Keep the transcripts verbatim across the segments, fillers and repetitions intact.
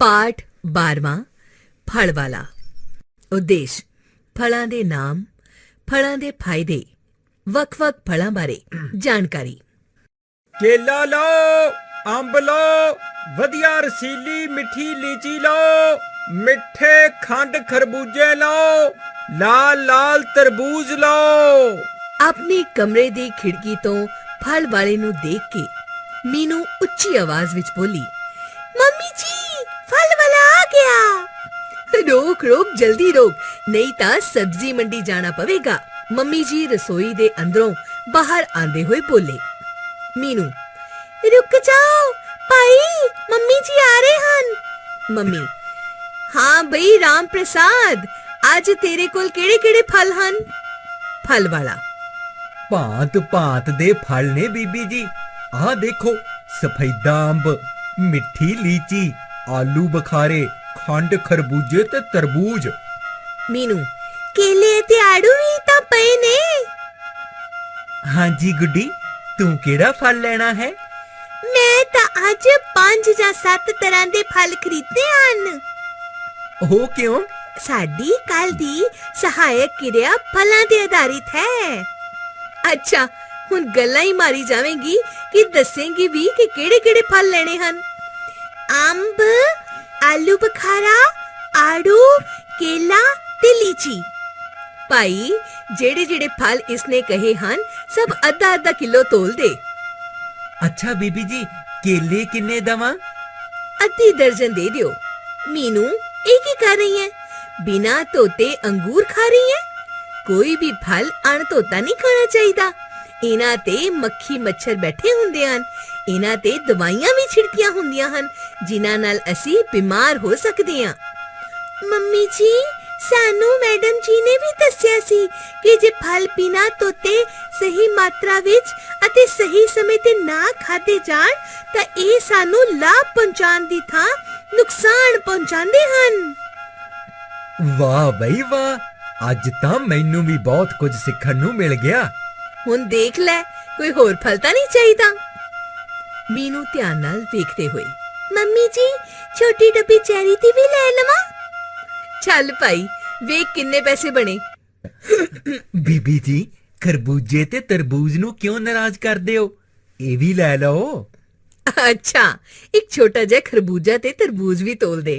ਪਾਠ ਬਾਰ੍ਹਵਾਂ ਫਲ ਵਾਲਾ। ਉਦੇਸ਼ ਫਲਾਂ ਦੇ ਨਾਮ, ਫਲਾਂ ਦੇ ਫਾਇਦੇ, ਵੱਖ-ਵੱਖ ਫਲਾਂ ਬਾਰੇ ਜਾਣਕਾਰੀ। ਕੇਲਾ ਲਓ, ਅੰਬ ਲਓ, ਵਧੀਆ ਰਸੀਲੀ ਮਿੱਠੀ ਲੀਚੀ ਲਓ, ਮਿੱਠੇ ਖੰਡ ਖਰਬੂਜੇ ਲਓ, ਲਾਲ ਲਾਲ ਤਰਬੂਜ ਲਓ। ਆਪਣੇ ਕਮਰੇ ਦੀ ਖਿੜਕੀ ਤੋਂ ਫਲ ਵਾਲੇ ਨੂੰ ਦੇਖ ਕੇ ਮੀਨੂ ਉੱਚੀ ਆਵਾਜ਼ ਵਿੱਚ ਬੋਲੀ, ਮੰਮੀ ਜੀ ਫਲ ਵਾਲਾ ਆ ਗਿਆ। ਰੋਕ ਰੋਕ ਜਲਦੀ ਰੋਕ, ਨਹੀਂ ਤਾਂ ਸਬਜ਼ੀ ਮੰਡੀ ਜਾਣਾ ਪਵੇਗਾ। ਮੰਮੀ ਜੀ ਰਸੋਈ ਦੇ ਅੰਦਰੋਂ ਬਾਹਰ ਆਂਦੇ ਹੋਏ ਬੋਲੇ। ਮੀਨੂ, ਰੁਕ ਜਾਓ ਭਾਈ, ਮੰਮੀ ਜੀ ਆ ਰਹੇ ਹਨ। ਮੰਮੀ, ਹਾਂ ਬਈ ਰਾਮ ਪ੍ਰਸਾਦ, ਅੱਜ ਤੇਰੇ ਕੋਲ ਕਿਹੜੇ ਕਿਹੜੇ ਫਲ ਹਨ? ਫਲ ਵਾਲਾ, ਭਾਂਤ ਭਾਂਤ ਦੇ ਫਲ ਨੇ ਬੀਬੀ ਜੀ। ਆਹ ਦੇਖੋ, ਸਫੈਦਾ ਅੰਬ, ਮਿੱਠੀ ਲੀਚੀ, ਆਲੂ ਬੁਖਾਰੇ, ਖੰਡ ਖਰਬੂਜੇ ਤੇ ਤਰਬੂਜ। ਮੀਨੂ, ਕੇਲੇ ਤੇ ਆੜੂ ਵੀ ਤਾਂ ਪਏ ਨੇ। ਹਾਂਜੀ ਗੁੱਡੀ, ਤੂੰ ਕਿਹੜਾ ਫਲ ਲੈਣਾ ਹੈ? ਮੈਂ ਤਾਂ ਅੱਜ ਪੰਜ ਜਾਂ ਸੱਤ ਤਰ੍ਹਾਂ ਦੇ ਫਲ ਖਰੀਦੇ ਹਨ। ਉਹ ਕਿਉਂ? ਸਾਡੀ ਕੱਲ ਦੀ ਸਹਾਇਕ ਕਿਰਿਆ ਫਲਾਂ ਤੇ ਆਧਾਰਿਤ ਹੈ। ਅੱਛਾ, ਹੁਣ ਗੱਲਾਂ ਹੀ ਮਾਰੀ ਜਾਵੇਂਗੀ ਕਿ ਦੱਸੇਂਗੀ ਵੀ ਕਿ ਕਿਹੜੇ ਕਿਹੜੇ ਫਲ ਲੈਣੇ ਹਨ? ਅੰਬ, ਆਲੂ ਬੁਖਾਰਾ, ਆੜੂ, ਕੇਲਾ ਤੇ ਲੀਚੀ। ਭਾਈ, ਜਿਹੜੇ ਜਿਹੜੇ ਫਲ ਇਸਨੇ ਕਹੇ ਹਨ ਸਭ ਅੱਧਾ ਅੱਧਾ ਕਿਲੋ ਤੋਲ ਦੇ। ਅੱਛਾ ਬੀਬੀ ਜੀ, ਕੇਲੇ ਕਿੰਨੇ ਦਵਾਂ? ਅੱਧੀ ਦਰਜਨ ਦੇ ਦਿਓ। ਮੀਨੂ, ਇਹ ਕੀ ਕਰ ਰਹੀ ਹੈ? ਬਿਨਾਂ ਧੋਤੇ ਅੰਗੂਰ ਖਾ ਰਹੀ ਹੈ? ਕੋਈ ਵੀ ਫਲ ਅਣਧੋਤਾ ਨਹੀਂ ਖਾਣਾ ਚਾਹੀਦਾ। ਇਹਨਾਂ ਤੇ ਮੱਖੀ ਮੱਛਰ ਬੈਠੇ ਹੁੰਦੇ ਹਨ। ਇਹਨਾਂ ਤੇ ਦਵਾਈਆਂ ਵੀ ਛਿੜਕੀਆਂ ਹੁੰਦੀਆਂ ਹਨ ਜਿਨ੍ਹਾਂ ਨਾਲ ਅਸੀਂ ਬਿਮਾਰ ਹੋ ਸਕਦੇ ਹਾਂ। ਮੰਮੀ ਜੀ, ਸਾਨੂੰ ਮੈਡਮ ਜੀ ਨੇ ਵੀ ਦੱਸਿਆ ਸੀ ਕਿ ਜੇ ਫਲ ਬਿਨਾਂ ਧੋਤੇ ਸਹੀ ਮਾਤਰਾ ਵਿੱਚ ਅਤੇ ਸਹੀ ਸਮੇਂ ਤੇ ਨਾ ਖਾਦੇ ਜਾਣ ਤਾਂ ਇਹ ਸਾਨੂੰ ਲਾਭ ਪਹੁੰਚਾਉਣ ਦੀ ਥਾਂ ਨੁਕਸਾਨ ਪਹੁੰਚਾਉਂਦੇ ਹਨ। ਵਾਹ ਬਈ ਵਾਹ, ਅੱਜ ਤਾਂ ਮੈਨੂੰ ਵੀ ਬਹੁਤ ਕੁਝ ਸਿੱਖਣ ਨੂੰ ਮਿਲ ਗਿਆ। ਹੁਣ ਦੇਖ ਲੈ, ਕੋਈ ਹੋਰ ਫਲ ਤਾਂ ਨਹੀਂ ਚਾਹੀਦਾ? ਮੀਨੂ ਧਿਆਨ ਨਾਲ ਵੇਖਦੇ ਹੋਏ, ਮੰਮੀ ਜੀ ਛੋਟੀ ਡੱਬੀ ਚੈਰੀ ਦੀ ਵੀ ਲੈ ਲਵਾਂ? ਚੱਲ ਭਾਈ, ਵੇਖ ਕਿੰਨੇ ਪੈਸੇ ਬਣੇ। ਬੀਬੀ ਜੀ, ਖਰਬੂਜੇ ਤੇ ਤਰਬੂਜ ਨੂੰ ਕਿਉਂ ਨਾਰਾਜ਼ ਕਰਦੇ ਹੋ? ਇਹ ਵੀ ਲੈ ਲਓ। ਅੱਛਾ, ਇੱਕ ਛੋਟਾ ਜਿਹਾ ਖਰਬੂਜਾ ਤੇ ਤਰਬੂਜ ਵੀ ਤੋਲ ਦੇ।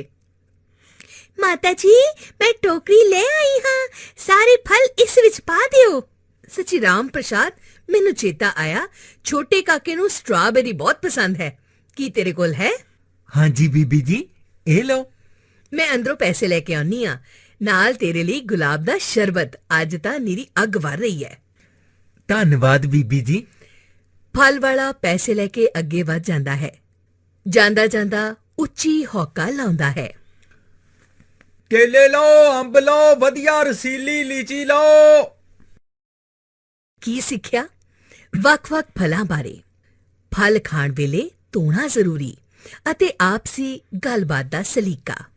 ਮਾਤਾ ਜੀ, ਮੈਂ ਟੋਕਰੀ ਲੈ ਆਈ ਹਾਂ, ਸਾਰੇ ਫਲ ਇਸ ਵਿੱਚ ਪਾ ਦਿਓ। ਸੱਚੀ ਰਾਮ ਪ੍ਰਸਾਦ, ਮੈਨੂੰ ਚੇਤਾ ਆਇਆ, ਛੋਟੇ ਕਾਕੇ ਨੂੰ ਸਟ੍ਰਾਬੇਰੀ ਬਹੁਤ ਪਸੰਦ ਹੈ। ਕੀ ਤੇਰੇ ਕੋਲ ਹੈ? ਹਾਂਜੀ ਬੀਬੀ ਜੀ, ਇਹ ਲਓ। ਮੈਂ ਅੰਦਰੋਂ ਪੈਸੇ ਲੈ ਕੇ ਆਉਣੀ ਆ, ਨਾਲ ਤੇਰੇ ਲਈ ਗੁਲਾਬ ਦਾ ਸ਼ਰਬਤ। ਅੱਜ ਤਾਂ ਨੀਰੀ ਅੱਗ ਵਰ ਰਹੀ ਹੈ। ਧੰਨਵਾਦ ਬੀਬੀ ਜੀ। ਫਲ ਵਾਲਾ ਪੈਸੇ ਲੈ ਕੇ ਅੱਗੇ ਵੱਧ ਜਾਂਦਾ ਹੈ। ਜਾਂਦਾ ਜਾਂਦਾ ਉੱਚੀ ਹੌਕਾ ਲਾਉਂਦਾ ਹੈ, ਕੇਲੇ ਲਓ, ਅੰਬ ਲਓ, ਵਧੀਆ ਰਸੀਲੀ ਲੀਚੀ ਲਓ। ਕੀ ਸਿੱਖਿਆ? ਵੱਖ-ਵੱਖ ਫਲਾਂ ਬਾਰੇ। ਫਲ ਖਾਣ ਵੇਲੇ ਧੋਣਾ ਜ਼ਰੂਰੀ ਅਤੇ ਆਪਸੀ ਗੱਲਬਾਤ ਦਾ ਸਲੀਕਾ।